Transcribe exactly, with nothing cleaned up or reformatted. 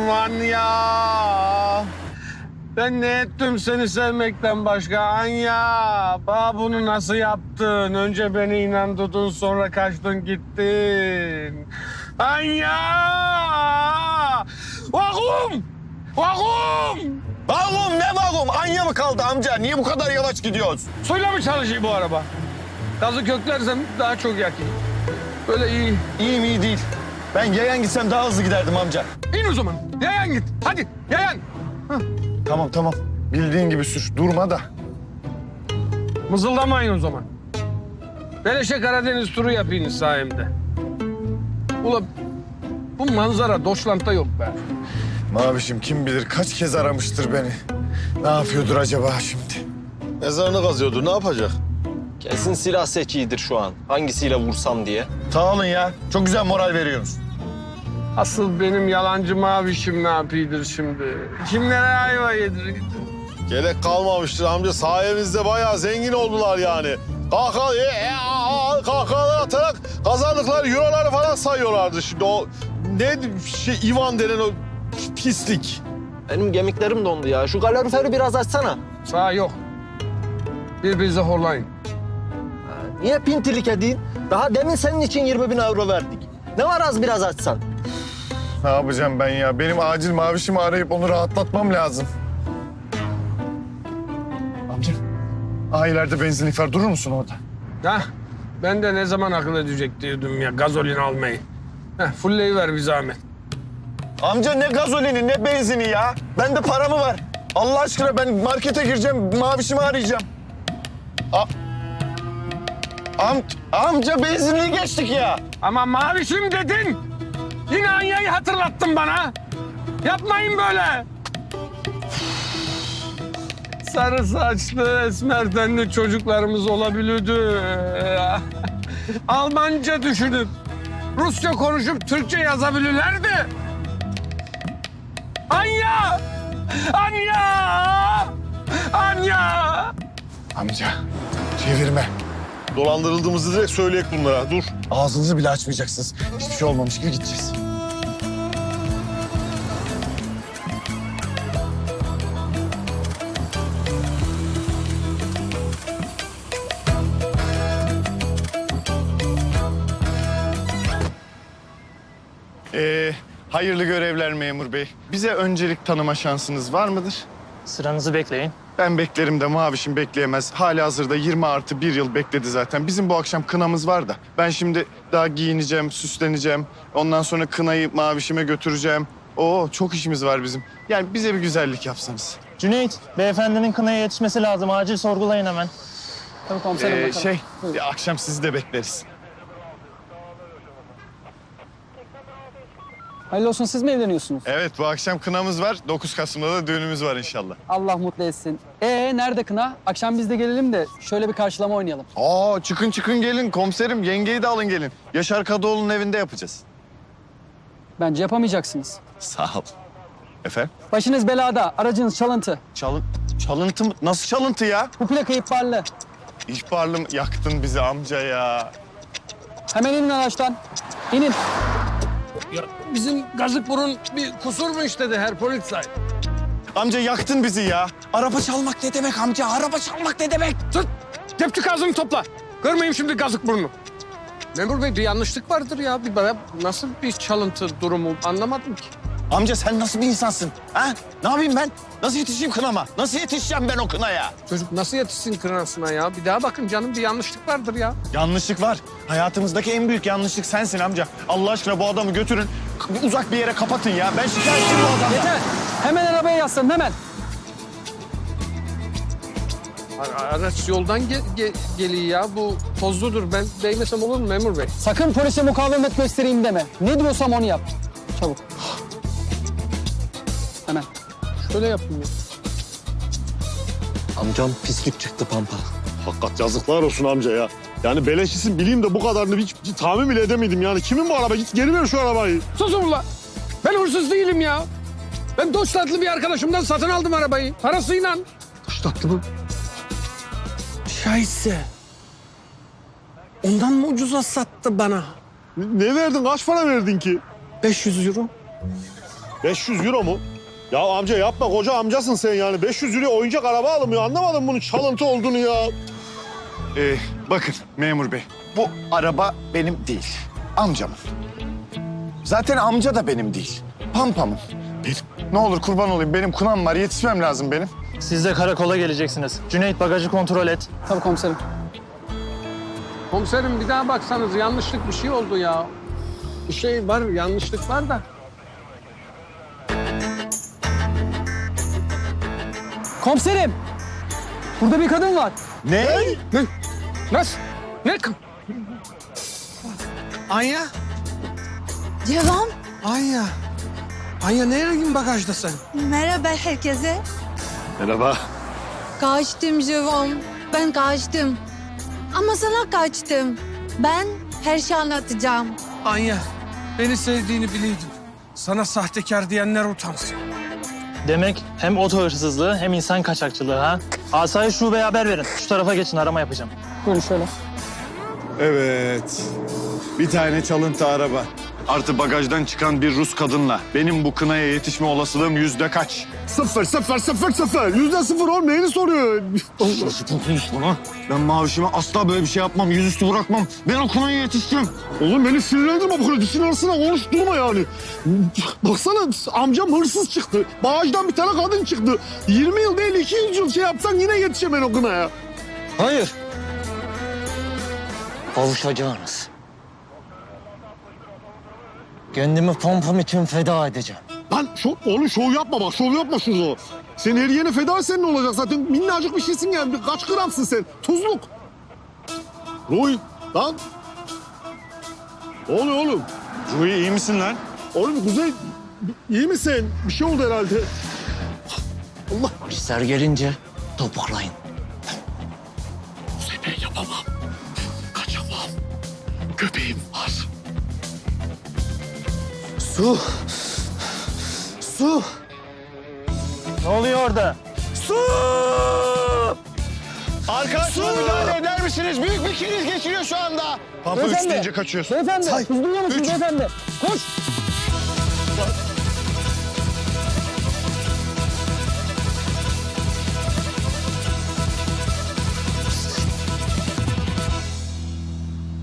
yavrum Anya. Ben ne ettim seni sevmekten başka Anya? Bana bunu nasıl yaptın? Önce beni inandırdın, sonra kaçtın gittin. Anya! Vakum! Vakum! Vakum ne vakum? Anya mı kaldı amca? Niye bu kadar yavaş gidiyoruz? Suyla mı çalışıyor bu araba? Gazı köklersem daha çok yakayım. Böyle iyi. İyi mi iyi değil. Ben yayan gitsem daha hızlı giderdim amca. İn o zaman. Yayan git. Hadi yayan. Tamam tamam. Bildiğin gibi sür. Durma da. Mızıldamayın o zaman. Beleşe Karadeniz turu yapayım sayemde. Ula bu manzara Doşlant'ta yok be. Mavişim kim bilir kaç kez aramıştır beni. Ne yapıyordur acaba şimdi? Mezarını kazıyordu. Ne yapacak? Kesin silah seçiyidir şu an. Hangisiyle vursam diye. Sağ olun ya. Çok güzel moral veriyorsunuz. Asıl benim yalancı mavişim ne yapıyordur şimdi? Kimlere ayva yedirir? Gerek kalmamıştır amca. Sayemizde bayağı zengin oldular yani. Kahkaha, e, e, a, a, kahkahalar atarak kazandıkları euroları falan sayıyorlardı şimdi. O ne şey Ivan denen o pislik. Benim gemiklerim dondu ya. Şu kaloriferi biraz açsana. Sağ yok. Birbirinize horlayın. Niye pintilik edeyim? Daha demin senin için yirmi bin euro verdik. Ne var az biraz açsan? Ne yapacağım ben ya? Benim acil Mavişimi arayıp onu rahatlatmam lazım. Amca. Aa ileride benzinlik var. Durur musun orada? Hah, ben de ne zaman akıl edecek diyordum ya gazolin almayı. Heh, fullleyiver bir zahmet. Amca ne gazolini ne benzini ya. Bende para mı var? Allah aşkına ben markete gireceğim. Mavişimi arayacağım. A Am amca benzinliği geçtik ya. Ama mavişim dedin. Yine Anya'yı hatırlattın bana. Yapmayın böyle. Sarı saçlı, esmer tenli çocuklarımız olabilirdi. Almanca düşünüp, Rusça konuşup Türkçe yazabilirlerdi. Anya! Anya! Anya! Amca çevirme. Dolandırıldığımızı direkt söyleyek bunlara. Dur. Ağzınızı bile açmayacaksınız. Hiçbir şey olmamış gibi gideceğiz. Ee, hayırlı görevler memur bey. Bize öncelik tanıma şansınız var mıdır? Sıranızı bekleyin. Ben beklerim de Mavişim bekleyemez. Halihazırda yirmi artı bir yıl bekledi zaten. Bizim bu akşam kınamız var da. Ben şimdi daha giyineceğim, süsleneceğim. Ondan sonra kınayı Mavişime götüreceğim. Oo çok işimiz var bizim. Yani bize bir güzellik yapsanız. Cüneyt, beyefendinin kınaya yetişmesi lazım. Acil sorgulayın hemen. Tabii komiserim Ee, bakalım. şey, bir akşam sizi de bekleriz. Hayırlı olsun, siz mi evleniyorsunuz? Evet, bu akşam kınamız var. dokuz Kasım'da da düğünümüz var inşallah. Allah mutlu etsin. Ee nerede kına? Akşam biz de gelelim de şöyle bir karşılama oynayalım. Aa çıkın çıkın gelin komiserim. Yengeyi de alın gelin. Yaşar Kadıoğlu'nun evinde yapacağız. Bence yapamayacaksınız. Sağ ol. Efendim? Başınız belada, aracınız çalıntı. Çalın, çalıntı mı? Nasıl çalıntı ya? Bu plaka ihbarlı. İhbarlı mı? Yaktın bizi amca ya. Hemen inin araçtan. İnin. Ya bizim Gazıkburun bir kusur mu işledi her politsay? Amca yaktın bizi ya. Araba çalmak ne demek amca? Araba çalmak ne demek? Tut! Tepçi kazını topla. Görmeyeyim şimdi Gazıkburnu. Memur Bey bir yanlışlık vardır ya. Bir bana nasıl bir çalıntı durumu anlamadım ki. Amca sen nasıl bir insansın? Ha? Ne yapayım ben? Nasıl yetişeyim kınama? Nasıl yetişeceğim ben o kınaya? Çocuk nasıl yetişsin kınasına ya? Bir daha bakın canım bir yanlışlık vardır ya. Yanlışlık var. Hayatımızdaki en büyük yanlışlık sensin amca. Allah aşkına bu adamı götürün. Uzak bir yere kapatın ya. Ben şikayetçiyim bu adamdan. Yeter. Hemen arabaya yaslanın hemen. Ara- Araç yoldan ge- ge- geliyor ya. Bu tozludur. Ben değmesem olur mu memur bey? Sakın polise mukavemet göstereyim deme. Ne diyorsam onu yap. Çabuk. Hemen. Şöyle yapayım ya. Amcam pislik çıktı Pampa. Hakikat yazıklar olsun amca ya. Yani beleşisin bileyim de bu kadarını hiç, hiç tahmin bile edemedim yani. Kimin bu araba? Git geri ver şu arabayı. Susun ulan. Ben hırsız değilim ya. Ben Doçtatlı bir arkadaşımdan satın aldım arabayı. Parasıyla. Doçtatlı mı? Şahitse. Ondan mı ucuza sattı bana? Ne verdin? Kaç para verdin ki? beş yüz euro. beş yüz euro mu? Ya amca yapma, koca amcasın sen yani. beş yüz euro oyuncak araba alınmıyor. Anlamadım bunun çalıntı olduğunu ya. Ee, bakın memur bey, bu araba benim değil, amcamın. Zaten amca da benim değil, Pampam'ın. Benim. Ne olur kurban olayım, benim kunam var, yetişmem lazım benim. Siz de karakola geleceksiniz. Cüneyt bagajı kontrol et. Tabii komiserim. Komiserim bir daha baksanız yanlışlık bir şey oldu ya. Bir şey var, yanlışlık var da. Komiserim! Burada bir kadın var. Ne? Ne? Nasıl? Ne? Anya? Devam. Anya. Anya nereye bagajda sen? Merhaba herkese. Merhaba. Kaçtım Devam. Ben kaçtım. Ama sana kaçtım. Ben her şeyi anlatacağım. Anya, beni sevdiğini biliyordum. Sana sahtekar diyenler utansın. Demek hem oto hırsızlığı hem insan kaçakçılığı ha. Asayiş şubeye haber verin. Şu tarafa geçin, arama yapacağım. Buyurun şöyle. Evet, bir tane çalıntı araba. Artı bagajdan çıkan bir Rus kadınla benim bu kınaya yetişme olasılığım yüzde kaç? Sıfır, sıfır, sıfır, sıfır. Yüzde sıfır oğlum, neyini soruyor? Nasıl konuşma lan? Ben mavişime asla böyle bir şey yapmam, yüzüstü bırakmam. Ben o kınaya yetiştim. Oğlum beni sinirlendirme bu kadar. Dişin arasına konuşturma yani. Baksana amcam hırsız çıktı. Bağajdan bir tane kadın çıktı. yirmi yıl değil iki yüz yıl şey yapsan yine yetişemem o kınaya. Hayır. Kavuşacağınız. Kendimi pompam için feda edeceğim. Lan şov, oğlum şov yapma bak, şov yapma şunu. Sen her yerine feda etsen ne olacak zaten? Minnacık bir şeysin yani. Bir kaç gramsın sen? Tuzluk. Roy, lan. Ne oluyor oğlum? Ruhi iyi misin lan? Oğlum Kuzey, iyi misin? Bir şey oldu herhalde. Allah. Polisler gelince toparlayın. Kuzey ben yapamam. Kaçamam. Köpeğim var. Su. Su. Ne oluyor orada? Su. Arkadaşlar müdahale eder misiniz? Büyük bir kriz geçiriyor şu anda. Pampa üç Beyefendi. deyince kaçıyorsun. Beyefendi, siz duyuyor musunuz beyefendi? Koş!